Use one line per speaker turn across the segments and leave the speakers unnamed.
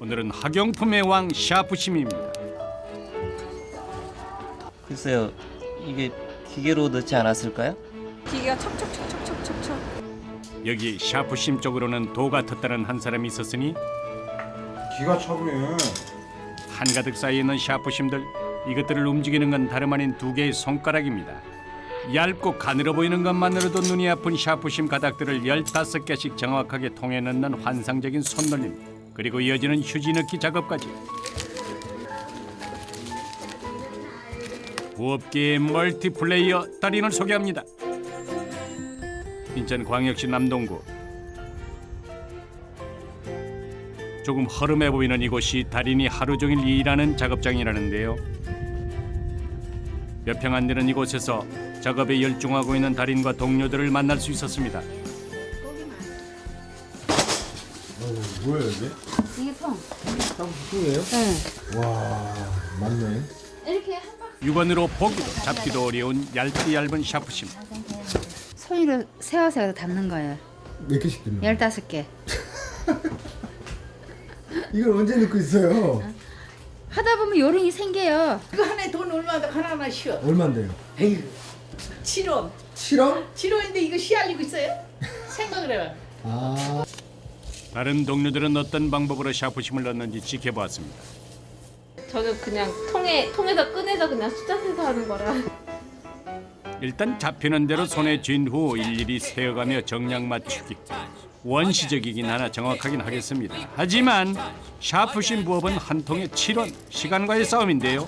오늘은 학용품의 왕 샤프심입니다.
글쎄요, 이게 기계로 넣지 않았을까요?
기계가 척척척척척척척.
여기 샤프심 쪽으로는 도가 텄다는 한 사람이 있었으니
기가 차네.
한가득 쌓여있는 샤프심들, 이것들을 움직이는 건 다름 아닌 두 개의 손가락입니다. 얇고 가늘어 보이는 것만으로도 눈이 아픈 샤프심 가닥들을 15개씩 정확하게 통에 넣는 환상적인 손놀림, 그리고 이어지는 휴지 넣기 작업까지. 부업계의 멀티플레이어 달인을 소개합니다. 인천광역시 남동구. 조금 허름해 보이는 이곳이 달인이 하루 종일 일하는 작업장이라는데요. 몇 평 안 되는 이곳에서 작업에 열중하고 있는 달인과 동료들을 만날 수 있었습니다.
뭐예요 이게?
이게 통.
탕수육이에요?
네.
와 맞네.
이렇게 한 박.
육안으로 보기도 잡기도 어려운 얇은 샤프심.
손으로 세워서 담는 거예요.
몇 개씩 들려?
15개.
이걸 언제 넣고 있어요?
하다 보면 요령이 생겨요.
이거 하나에 돈 얼마나 하나하나 쉬어.
얼마인데요?
에휴, 7원.
7원?
7원인데 이거 씨알리고 있어요? 생각을 해봐.
아
다른 동료들은 어떤 방법으로 샤프심을 넣는지 지켜보았습니다.
저는 그냥 통에서 꺼내서 그냥 숫자 세서 하는 거라.
일단 잡히는 대로 손에 쥔 후 일일이 세어가며 정량 맞추기. 원시적이긴 하나 정확하긴 하겠습니다. 하지만 샤프심 부업은 한 통에 7원, 시간과의 싸움인데요.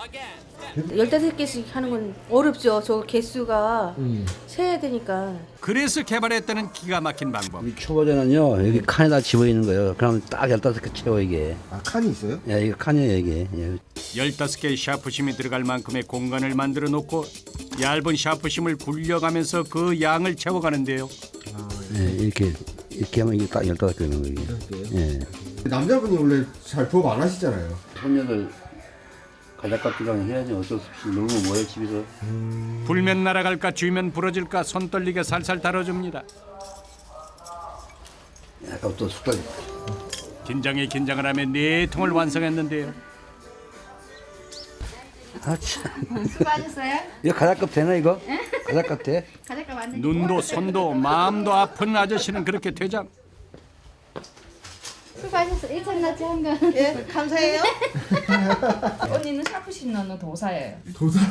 15개씩 하는 건 어렵죠. 저 개수가 세야 되니까.
그래서 개발했다는 기가 막힌 방법.
이 초보자는요 여기 칸에다 집어있는 거예요. 그럼 딱 15개 채워 이게.
아 칸이 있어요?
예, 이거 칸이에요 이게. 예.
15개의 샤프심이 들어갈 만큼의 공간을 만들어 놓고 얇은 샤프심을 굴려가면서 그 양을 채워가는데요.
예, 이렇게 하면 이게 딱 15개 있는 거예요. 이게. 예.
남자분이 원래 잘 부업 안 하시잖아요.
손녀들 가작값이랑 해야지 어쩔 수 없이 너무 뭐해 집에서.
불면 날아갈까 쥐면 부러질까 손 떨리게 살살 다뤄줍니다.
약간 또 숟가락.
긴장에 긴장을 하며 4통을 완성했는데요.
아 참.
수고하셨어요?
이거 가작값 되나 이거? 가작값 돼?
가져가 완전.
눈도 손도 마음도 아픈 아저씨는 그렇게 퇴장.
수고하셨어. 1천나치 한 거.
예, 감사해요.
언니는 샤프심 넣는 도사예요.
도사?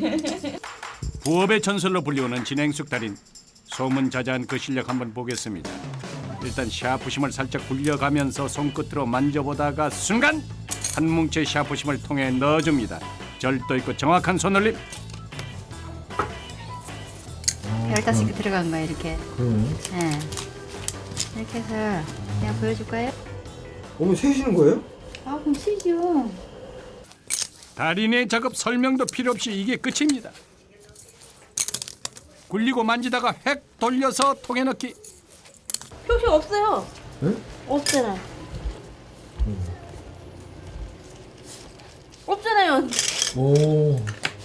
부업의 전설로 불리우는 진행숙 달인. 소문자자한 그 실력 한번 보겠습니다. 일단 샤프심을 살짝 굴려가면서 손끝으로 만져보다가 순간 한 뭉치의 샤프심을 통에 넣어줍니다. 절도 있고 정확한 손놀림.
15개 들어간 거예요, 이렇게.
그러네.
네. 이렇게 해서 그냥 보여줄 거예요?
어머 세시는 거예요?
아, 그럼 치죠.
달인의 작업 설명도 필요 없이 이게 끝입니다. 굴리고 만지다가 획 돌려서 통에 넣기.
표시 없어요.
네?
없잖아. 없잖아요.
오.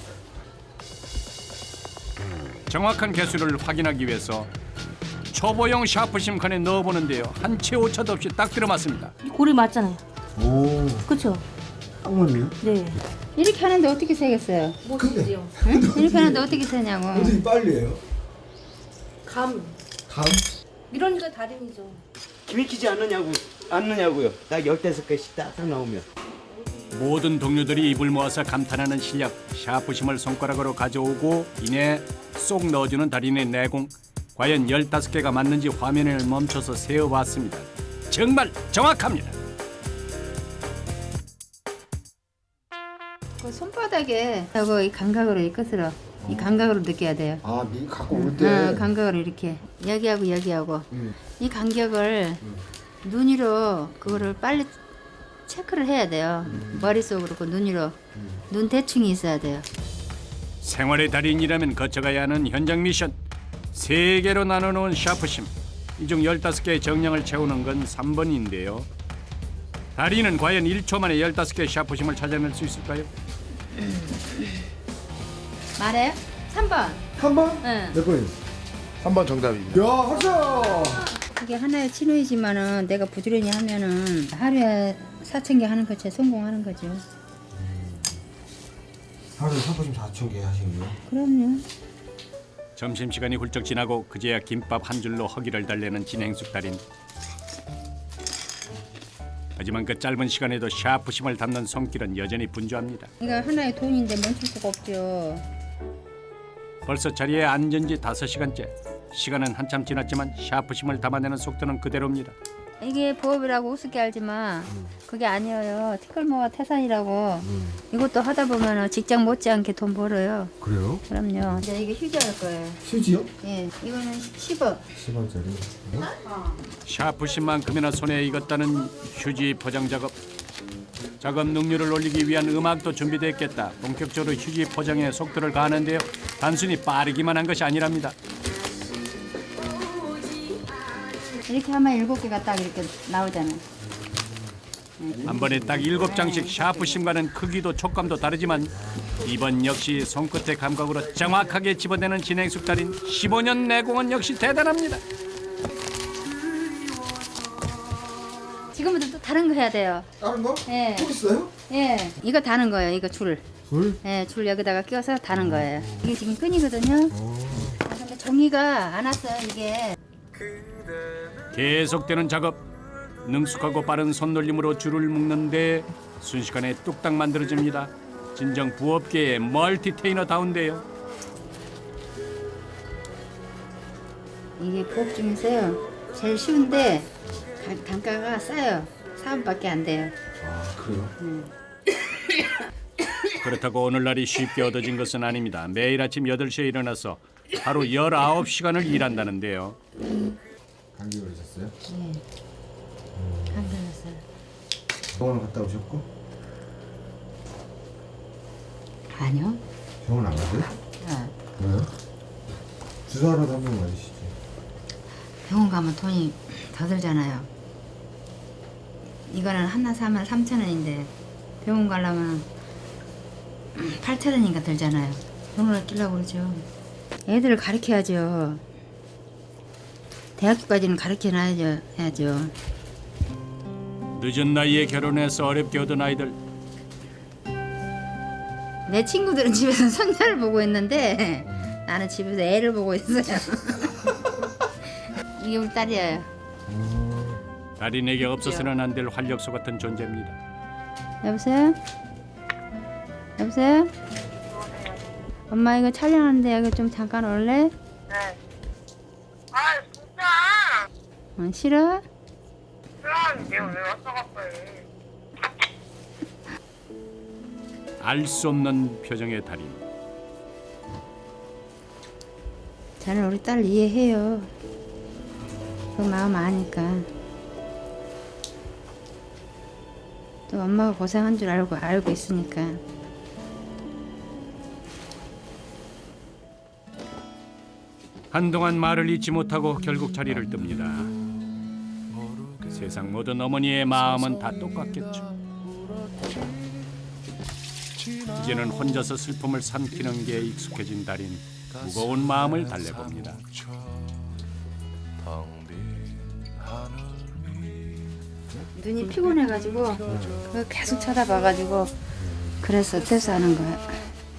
정확한 개수를 확인하기 위해서 초보용 샤프심 칸에 넣어보는데요. 한 채 오차도 없이 딱 들어맞습니다.
고리 맞잖아요.
오.
그렇죠?
딱 맞네요.
네.
이렇게 하는데 어떻게 세겠어요?
못이지요.
응? 이렇게 하는데 어떻게 세냐고.
어떻게 빨리 해요?
감.
감?
이러니까 달인이죠.
기맥히지 않느냐고요. 딱 15개씩 딱 나오면.
모든 동료들이 입을 모아서 감탄하는 실력. 샤프심을 손가락으로 가져오고 이내 쏙 넣어주는 달인의 내공. 과연 15개가 맞는지 화면을 멈춰서 세어봤습니다. 정말 정확합니다.
그 손바닥에 하고 이 감각으로 이 끝으로 이 감각으로 느껴야 돼요.
아 미 갖고 올 때.
감각으로 이렇게 여기하고 여기하고 이 간격을 눈으로 그거를 빨리 체크를 해야 돼요. 머릿속으로 그 눈으로 눈 대충이 있어야 돼요.
생활의 달인이라면 거쳐가야 하는 현장 미션. 3개로 나눠놓은 샤프심. 이 중 15개의 정량을 채우는 건 3번인데요. 달인은 과연 1초 만에 15개의 샤프심을 찾아낼 수 있을까요?
말해요? 3번.
한 번?
응.
몇 번이요?
3번 정답입니다.
야 합쳐.
이게 하나의 치료이지만은 내가 부지런히 하면은 하루에 4,000개 하는 거지 성공하는 거죠.
하루에 샤프심 4,000개 하시는 거예요?
그럼요.
점심시간이 훌쩍 지나고 그제야 김밥 한 줄로 허기를 달래는 진행숙 달인. 하지만 그 짧은 시간에도 샤프심을 담는 손길은 여전히 분주합니다.
이거 하나의 돈인데 멈출 수가 없죠.
벌써 자리에 앉은 지 5시간째. 시간은 한참 지났지만 샤프심을 담아내는 속도는 그대로입니다.
이게 부업이라고 우습게 알지만 그게 아니에요. 티끌모아 태산이라고. 이것도 하다 보면 직장 못지않게 돈 벌어요.
그래요?
그럼요. 이제 이게 휴지할 거예요.
휴지요?
예, 이거는 10원.
10원짜리.
샤프심만큼이나 손에 익었다는 휴지 포장 작업. 작업 능률을 올리기 위한 음악도 준비됐겠다. 본격적으로 휴지 포장에 속도를 가하는데요. 단순히 빠르기만 한 것이 아니랍니다.
이렇게 하면 7개가 딱 이렇게 나오잖아요.
한 번에 딱 7장씩 샤프심과는 크기도 촉감도 다르지만 이번 역시 손끝의 감각으로 정확하게 집어내는 진행숙 달인. 15년 내공은 역시 대단합니다.
지금부터 또 다른 거 해야 돼요.
다른 거?
예.
또 있어요?
예, 이거 다는 거예요. 이거 줄.
줄?
예, 줄 여기다가 끼워서 다는 거예요. 이게 지금 끈이거든요. 근데 종이가 안 왔어요. 이게.
계속되는 작업. 능숙하고 빠른 손놀림으로 줄을 묶는데 순식간에 뚝딱 만들어집니다. 진정 부업계의 멀티테이너다운데요.
이게 부업 중에서요. 제일 쉬운데 단가가 싸요. 4원밖에 안 돼요.
아, 그래요?
그렇다고 오늘날이 쉽게 얻어진 것은 아닙니다. 매일 아침 8시에 일어나서 하루 19시간을 일한다는데요.
감기 걸리셨어요?
네. 감기 걸렸어요.
병원 갔다 오셨고?
아니요.
병원 안 가세요?
네.
왜요? 주사라도 한 번 맞으시죠.
병원 가면 돈이 더 들잖아요. 이거는 하나 사면 3,000원인데 병원 가려면 8,000원인가 들잖아요. 돈을 아끼려고 그러죠. 애들을 가르쳐야죠. 대학교까지는 가르쳐놔야죠. 해야죠.
늦은 나이에 결혼해서 어렵게 얻은 아이들.
내 친구들은 집에서 손자를 보고 있는데 나는 집에서 애를 보고 있어요. 이게 우리 딸이에요.
달인에게 없어서는 안 될 활력소 같은 존재입니다.
여보세요? 여보세요? 엄마 이거 촬영하는데 여기 좀 잠깐 올래?
네. 아 진짜.
싫어?
싫어하는데 왜 왔어 갑자기?
알 수 없는 표정의 달인.
저는 우리 딸 이해해요. 그 마음 아니까. 또 엄마가 고생한 줄 알고 있으니까.
한동안 말을 잊지 못하고 결국 자리를 뜹니다. 세상 모든 어머니의 마음은 다 똑같겠죠. 이제는 혼자서 슬픔을 삼키는 게 익숙해진 달인. 무거운 마음을 달래봅니다.
눈이 피곤해가지고 그거 계속 쳐다봐가지고 그래서 퇴소하는 거야.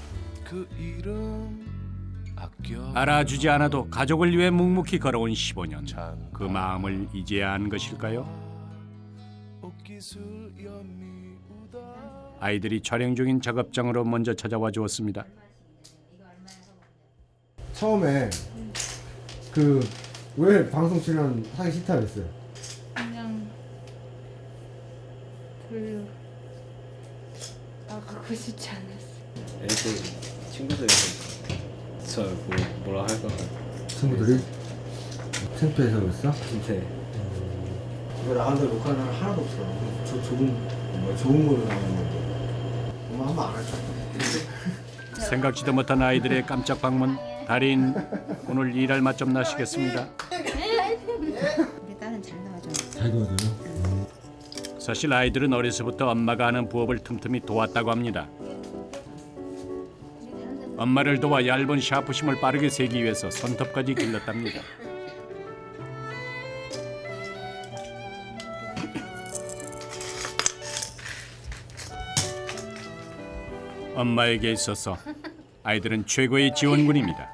알아주지 않아도 가족을 위해 묵묵히 걸어온 15년. 그 마음을 이제야 안 것일까요? 아이들이 촬영 중인 작업장으로 먼저 찾아와 주었습니다.
처음에 그 왜 방송 출연 하기 싫다 그랬어요?
그냥 별로 나가고 싶지 않았어.
애들 친구들이 저 뭐라 할까 봐.
친구들이 창피해서 그랬어?
네.
왜 나간다 녹화는 하나도 없어. 저 좋은 걸로 나오는 건데. 엄마 한번 안 할 줄 알았어.
생각지도 못한 아이들의 깜짝 방문. 달인 오늘 일할 맛 좀 나시겠습니다.
우리 딸은 잘 도와줘.
잘 도와줘요?
사실 아이들은 어려서부터 엄마가 하는 부업을 틈틈이 도왔다고 합니다. 엄마를 도와 얇은 샤프심을 빠르게 세기 위해서 손톱까지 길렀답니다. 엄마에게 있어서 아이들은 최고의 지원군입니다.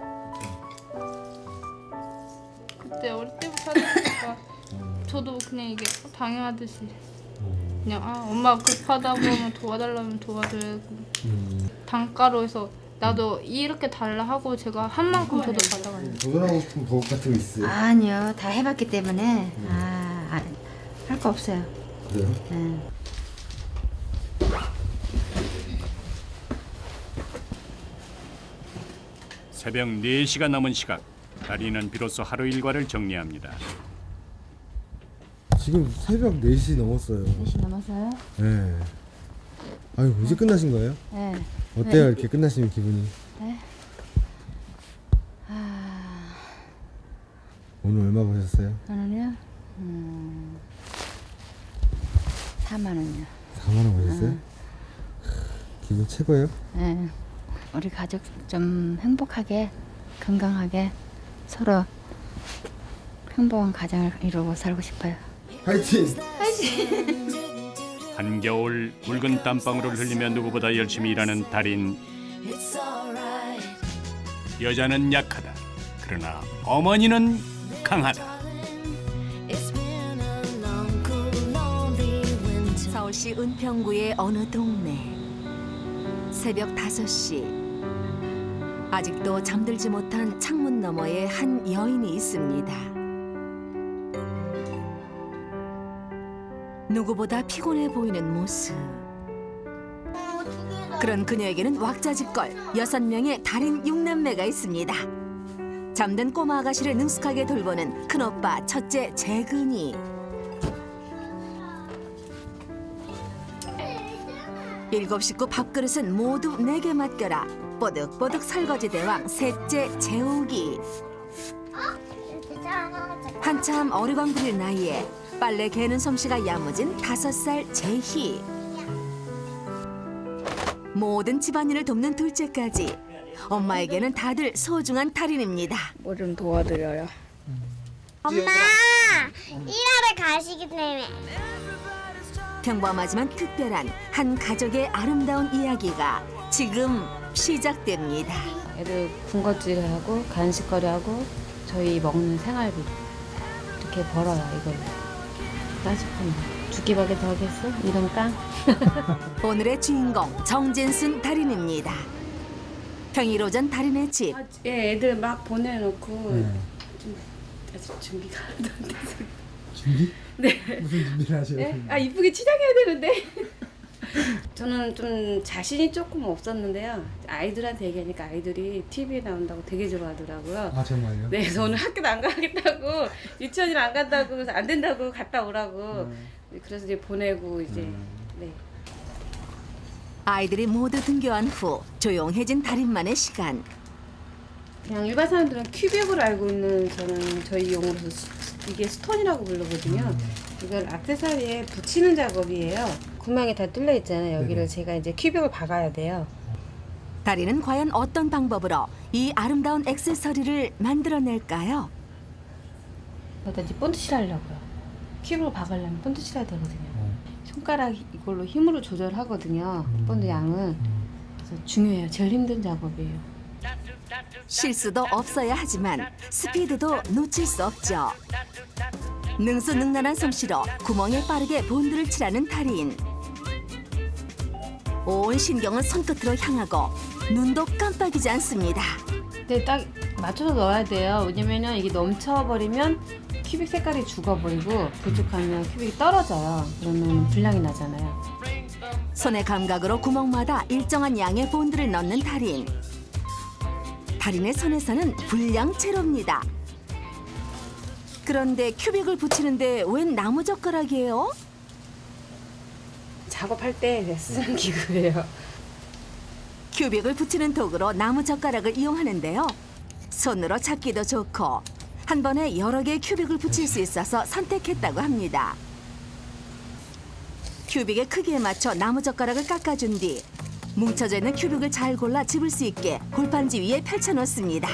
그때 어릴 때부터 하다 보니까 저도 그냥 이게 당연하듯이 그냥 엄마 급하다고 하면 도와달라면 도와줘야고 단가로 해서 나도 이렇게 달라 하고 제가 한 만큼 저도 받아가요.
도전하고 싶은 버릇 같은 거 있어요?
아니요, 다 해봤기 때문에 할 거 없어요.
그래요?
네.
새벽 4시가 넘은 시각, 다리는 비로소 하루 일과를 정리합니다.
지금 새벽 4시 넘었어요.
4시 넘어서요?
네. 아유, 이제 끝나신 거예요?
네.
어때요? 이렇게 끝나시면 기분이?
네.
오늘 얼마 버셨어요?
저는요, 4만 원이요.
4만 원 버셨어요? 기분 최고예요?
네. 우리 가족 좀 행복하게, 건강하게 서로 행복한 가정을 이루고 살고 싶어요.
화이팅!
한겨울 붉은 땀방울을 흘리며 누구보다 열심히 일하는 달인. 여자는 약하다. 그러나 어머니는 강하다.
서울시 은평구의 어느 동네. 새벽 5시. 아직도 잠들지 못한 창문 너머에 한 여인이 있습니다. 누구보다 피곤해 보이는 모습. 그런 그녀에게는 왁자지껄 6명의 달인 6남매가 있습니다. 잠든 꼬마 아가씨를 능숙하게 돌보는 큰오빠 첫째 재근이. 일곱 식구 밥그릇은 모두 내게 맡겨라. 뽀득뽀득 설거지 대왕 셋째 재욱이. 한참 어리광 부릴 나이에 빨래 개는 솜씨가 야무진 5살 재희. 모든 집안일을 돕는 둘째까지 엄마에게는 다들 소중한 달인입니다.
뭐 좀 도와드려요.
엄마 일하러 가시기 때문에
평범하지만 특별한 한 가족의 아름다운 이야기가 지금 시작됩니다.
애들 군것질하고 간식거리하고 저희 먹는 생활비 이렇게 벌어요, 이걸로. 따지면 2끼밖에 더 하겠어? 이런 깡?
오늘의 주인공 정진순 달인입니다. 평일 오전 달인의 집.
예, 애들 막 보내놓고 좀 아직 준비가 안 돼서.
준비?
네.
무슨 준비를 하셔요?
네? 이쁘게 치장해야 되는데. 저는 좀 자신이 조금 없었는데요. 아이들한테 얘기하니까 아이들이 TV에 나온다고 되게 좋아하더라고요.
아, 정말요?
네, 그래서 오늘 학교도 안 가겠다고, 유치원을 안 간다고, 그래서 안 된다고 갔다 오라고. 그래서 이제 보내고 이제 네.
아이들이 모두 등교한 후 조용해진 달인만의 시간.
그냥 일반 사람들은 큐빅으로 알고 있는 저는 저희 용어로서 이게 스톤이라고 부르거든요. 이걸 액세서리에 붙이는 작업이에요. 구멍이 다 뚫려 있잖아요. 여기를 제가 이제 큐빅을 박아야 돼요.
달인은 과연 어떤 방법으로 이 아름다운 액세서리를 만들어낼까요?
여기다 이제 본드칠 하려고요. 큐빅을 박으려면 본드칠 해야 되거든요. 손가락 이걸로 힘으로 조절하거든요. 본드 양은. 그래서 중요해요. 제일 힘든 작업이에요.
실수도 없어야 하지만 스피드도 놓칠 수 없죠. 능수능란한 솜씨로 구멍에 빠르게 본드를 칠하는 달인. 온 신경은 손끝으로 향하고 눈도 깜빡이지 않습니다.
근데 딱 맞춰서 넣어야 돼요. 왜냐면은 이게 넘쳐버리면 큐빅 색깔이 죽어버리고 부족하면 큐빅이 떨어져요. 그러면 불량이 나잖아요.
손의 감각으로 구멍마다 일정한 양의 본드를 넣는 달인. 달인의 손에서는 불량채로입니다. 그런데 큐빅을 붙이는데 웬 나무젓가락이에요?
작업할 때 쓰는 기구예요.
큐빅을 붙이는 도구로 나무젓가락을 이용하는데요. 손으로 잡기도 좋고 한 번에 여러 개의 큐빅을 붙일 수 있어서 선택했다고 합니다. 큐빅의 크기에 맞춰 나무젓가락을 깎아준 뒤 뭉쳐져 있는 큐빅을 잘 골라 집을 수 있게 골판지 위에 펼쳐놓습니다.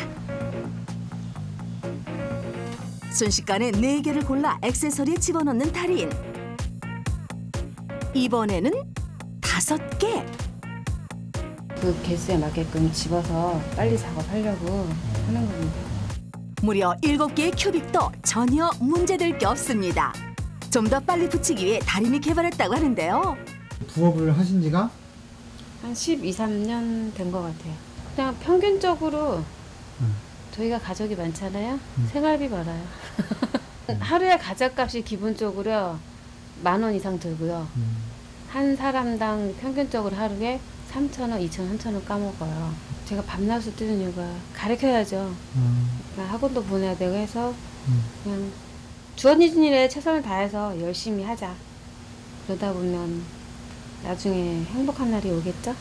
순식간에 4개를 골라 액세서리에 집어넣는 달인. 이번에는 5개.
그 개수에 맞게끔 집어서 빨리 작업하려고 하는 겁니다.
무려 7개의 큐빅도 전혀 문제될 게 없습니다. 좀 더 빨리 붙이기 위해 달인이 개발했다고 하는데요.
부업을 하신 지가?
한 12, 13년 된 것 같아요. 그냥 평균적으로 저희가 가족이 많잖아요. 생활비 벌어요. 하루에 가족값이 기본적으로 10,000원 이상 들고요. 한 사람당 평균적으로 하루에 3,000원, 2,000원, 3,000원 까먹어요. 제가 밤낮을 뛰는 이유가 가르쳐야죠. 그러니까 학원도 보내야 되고 해서 그냥 주어진 일에 최선을 다해서 열심히 하자. 그러다 보면 나중에 행복한 날이 오겠죠?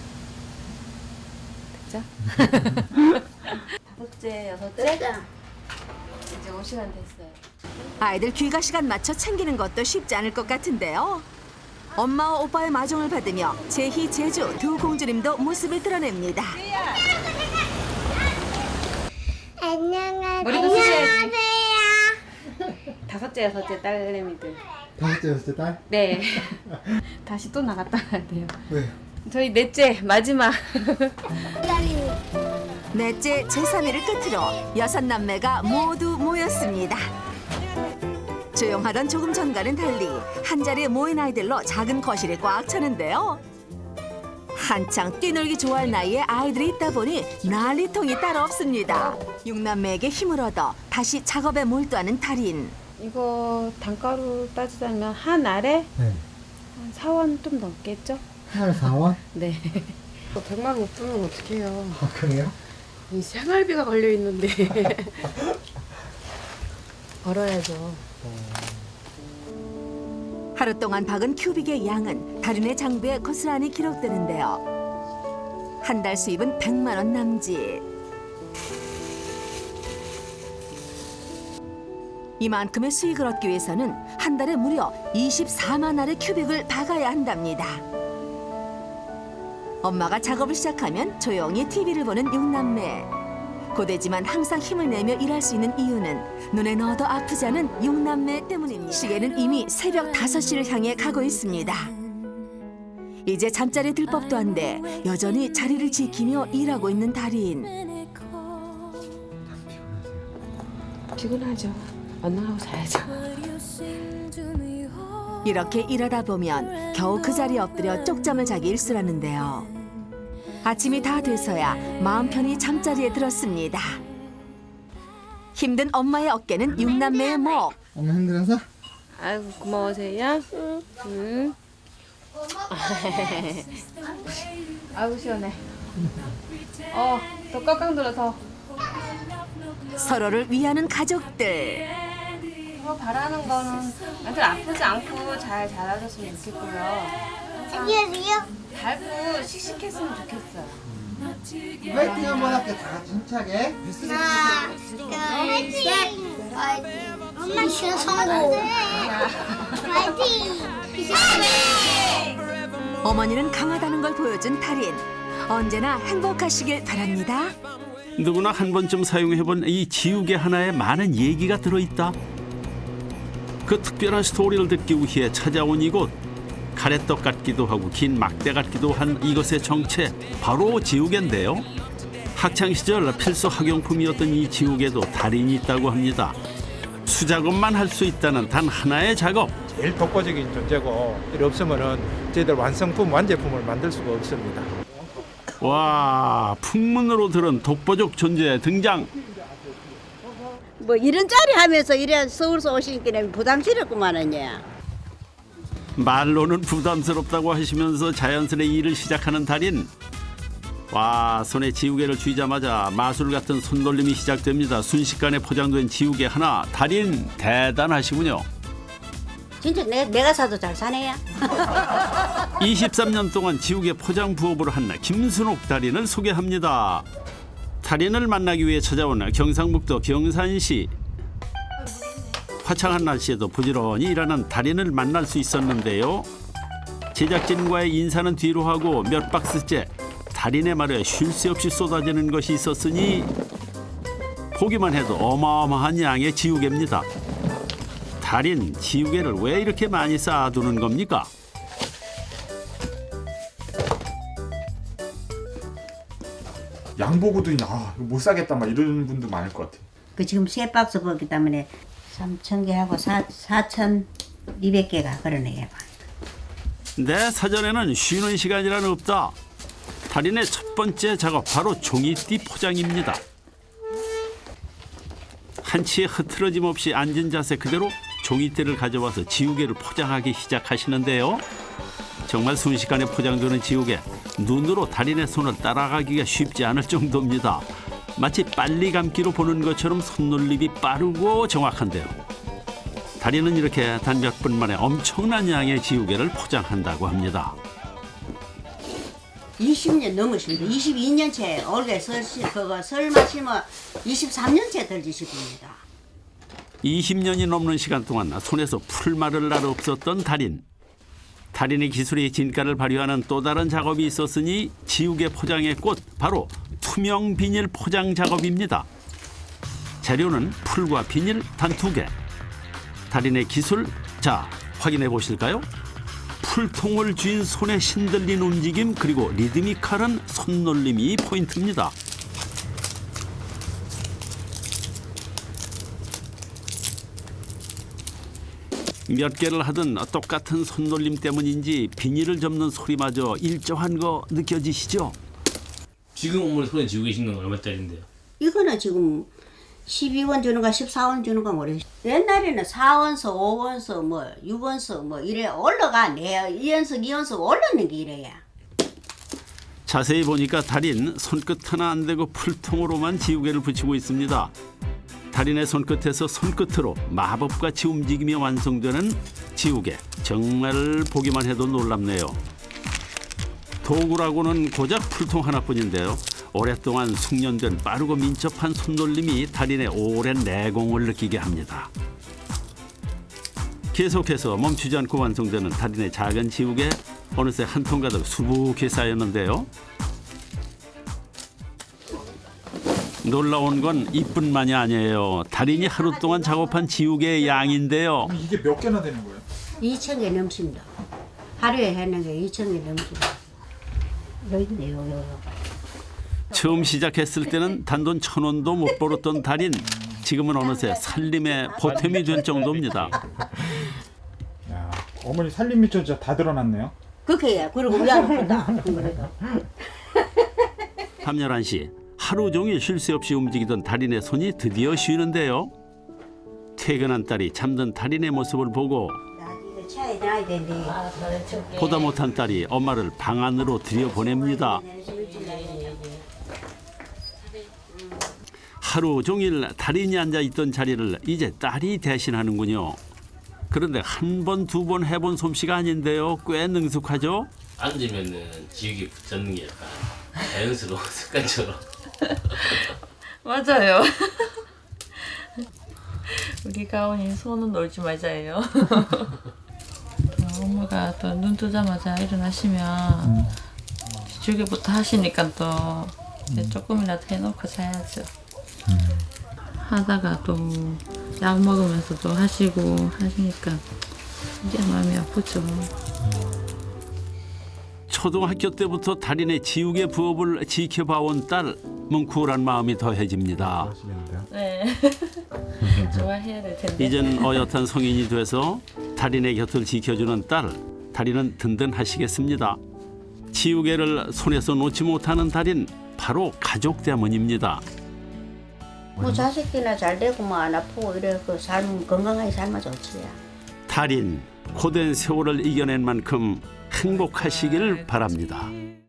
됐죠? 5째, 6째? 이제 올 시간 됐어요.
아이들 귀가 시간 맞춰 챙기는 것도 쉽지 않을 것 같은데요. 엄마와 오빠의 마중을 받으며 제희, 제주 두 공주님도 모습을 드러냅니다.
안녕하세요.
머리도 쓰셔야지. 5째, 6째 딸내미들.
5째, 6째 딸?
네. 다시 또 나갔다 가야 돼요.
왜?
저희 넷째, 마지막.
넷째 제3일을 끝으로 6남매가 모두 모였습니다. 조용하던 조금 전과는 달리 한자리에 모인 아이들로 작은 거실이 꽉 차는데요. 한창 뛰놀기 좋아할 나이에 아이들이 있다 보니 난리통이 따로 없습니다. 6남매에게 힘을 얻어 다시 작업에 몰두하는 달인.
이거 단가로 따지자면 한 알에
네.
한 4원 좀 넘겠죠?
한 4원?
네.
100만 원 못 쓰면 어떡해요.
아, 그래요?
이 생활비가 걸려 있는데.
벌어야죠.
하루 동안 박은 큐빅의 양은 달인의 장부에 고스란히 기록되는데요. 한 달 수입은 100만 원 남짓. 이만큼의 수익을 얻기 위해서는 한 달에 무려 24만 알의 큐빅을 박아야 한답니다. 엄마가 작업을 시작하면 조용히 TV를 보는 6남매. 고되지만 항상 힘을 내며 일할 수 있는 이유는 눈에 넣어도 아프지 않은 6남매 때문입니다. 시계는 이미 새벽 5시를 향해 가고 있습니다. 이제 잠자리에 들 법도 한데 여전히 자리를 지키며 일하고 있는 달인.
피곤하죠. 언능하고 자야죠.
이렇게 일하다 보면 겨우 그 자리에 엎드려 쪽잠을 자기 일쑤라는데요. 아침이 다 돼서야 마음 편히 잠자리에 들었습니다. 힘든 엄마의 어깨는 6남매의 목.
엄마 힘들어서?
아이고 고마워세요. 응. 아이고 시원해. 더 꽉꽉 눌러서.
서로를 위하는 가족들.
저 바라는 거는 애들 아프지 않고 잘 자라줬으면 좋겠고요.
안녕하세요.
밝고 씩씩했으면 좋겠어요.
화이팅 한번 할게. 다 같이 힘차게.
하나, 둘, 셋. 엄마 시간 성공. 화이팅.
어머니는 강하다는 걸 보여준 달인. 언제나 행복하시길 바랍니다.
누구나 한 번쯤 사용해본 이 지우개 하나에 많은 얘기가 들어있다. 그 특별한 스토리를 듣기 위해 찾아온 이곳. 가래떡 같기도 하고 긴 막대 같기도 한 이것의 정체, 바로 지우개인데요. 학창시절 필수 학용품이었던 이 지우개도 달인이 있다고 합니다. 수작업만 할 수 있다는 단 하나의 작업.
제일 독보적인 존재고 이 없으면은 저희들 완성품, 완제품을 만들 수가 없습니다.
와, 풍문으로 들은 독보적 존재 등장.
뭐 이런 자리 하면서 이래 서울서 오시니까 부담스럽구만은요.
말로는 부담스럽다고 하시면서 자연스레 일을 시작하는 달인. 와, 손에 지우개를 쥐자마자 마술 같은 손놀림이 시작됩니다. 순식간에 포장된 지우개 하나. 달인 대단하시군요.
진짜 내가 사도 잘 사네요.
23년 동안 지우개 포장 부업으로 한 김순옥 달인을 소개합니다. 달인을 만나기 위해 찾아온 경상북도 경산시. 화창한 날씨에도 부지런히 일하는 달인을 만날 수 있었는데요. 제작진과의 인사는 뒤로 하고 몇 박스째 달인의 말에 쉴 새 없이 쏟아지는 것이 있었으니 보기만 해도 어마어마한 양의 지우개입니다. 달인, 지우개를 왜 이렇게 많이 쌓아두는 겁니까?
양보고도 이거 못 사겠다 막 이런 분도 많을 것 같아요.
그 지금 3박스 먹기 때문에 3,000개하고 4,200개가 그러네요.
내 사전에는 쉬는 시간이란 없다. 달인의 첫 번째 작업 바로 종이띠 포장입니다. 한치의 흐트러짐 없이 앉은 자세 그대로 종이띠를 가져와서 지우개를 포장하기 시작하시는데요. 정말 순식간에 포장되는 지우개, 눈으로 달인의 손을 따라가기가 쉽지 않을 정도입니다. 마치 빨리 감기로 보는 것처럼 손놀림이 빠르고 정확한데요. 달인은 이렇게 단 몇 분 만에 엄청난 양의 지우개를 포장한다고 합니다.
20년 넘으십니다. 22년째 올해 설 마시면 23년째 덜지십니다.
20년이 넘는 시간 동안 손에서 풀 마를 날 없었던 달인. 달인의 기술이 진가를 발휘하는 또 다른 작업이 있었으니 지우개 포장의 꽃, 바로 투명 비닐 포장 작업입니다. 재료는 풀과 비닐 단 2개. 달인의 기술, 자 확인해 보실까요? 풀통을 쥔 손의 신들린 움직임 그리고 리드미컬한 손놀림이 포인트입니다. 몇 개를 하든 똑같은 손놀림 때문인지 비닐을 접는 소리마저 일정한 거 느껴지시죠?
지금 어머니 손에 쥐고 계신 건 얼마짜리인데요?
이거는 지금 12원 주는가 14원 주는가 모르겠어요. 옛날에는 4원서 5원서 뭐 6원서 뭐 이래 올라가. 내 2원서 2원서 올라는 게 이래야.
자세히 보니까 달인 손끝 하나 안 대고 풀통으로만 지우개를 붙이고 있습니다. 달인의 손끝에서 손끝으로 마법같이 움직이며 완성되는 지우개. 정말 보기만 해도 놀랍네요. 도구라고는 고작 풀통 하나뿐인데요. 오랫동안 숙련된 빠르고 민첩한 손놀림이 달인의 오랜 내공을 느끼게 합니다. 계속해서 멈추지 않고 완성되는 달인의 작은 지우개. 어느새 한 통 가득 수북히 쌓였는데요. 놀라운 건 이뿐만이 아니에요. 달인이 하루 동안 작업한 지우개의 양인데요.
이게 몇 개나 되는 거예요?
2,000개 넘습니다. 하루에 하는 게 2,000개 넘습니다. 여기 있네요.
처음 시작했을 때는 단돈 1,000원도 못 벌었던 달인. 지금은 어느새 살림의 보탬이 된 정도입니다.
야, 어머니 살림 밑줄 진짜 다 드러났네요.
그렇게 해. 그리고 위안아프다.
밤 11시 하루 종일 쉴 새 없이 움직이던 달인의 손이 드디어 쉬는데요. 퇴근한 딸이 잠든 달인의 모습을 보고
차에 놔야 되는데.
보다 못한 딸이 엄마를 방 안으로 들여보냅니다. 하루 종일 달인이 앉아있던 자리를 이제 딸이 대신하는군요. 그런데 한 번, 두 번 해본 솜씨가 아닌데요. 꽤 능숙하죠?
앉으면은 지우개 붙잡는 게 약간 자연스러운 습관처럼.
맞아요. 우리 가온이 손은 놀지 말자예요. 엄마가 또 눈 뜨자마자 일어나시면 지우개부터 하시니까 또 조금이라도 해놓고 자야죠. 하다가 또 약 먹으면서 또 하시고 하시니까 이제 마음이 아프죠.
초등학교 때부터 달인의 지우개 부업을 지켜봐온 딸, 뭉클한 마음이 더해집니다.
네. 좋아해야 될 텐데.
이젠 어엿한 성인이 돼서 달인의 곁을 지켜주는 딸, 달인은 든든하시겠습니다. 지우개를 손에서 놓지 못하는 달인, 바로 가족 때문입니다.
뭐 자식이나 잘 되고 뭐 안 아프고 이래 그 삶 건강하게 살면 좋지야.
달인, 고된 세월을 이겨낸 만큼 행복하시길 바랍니다.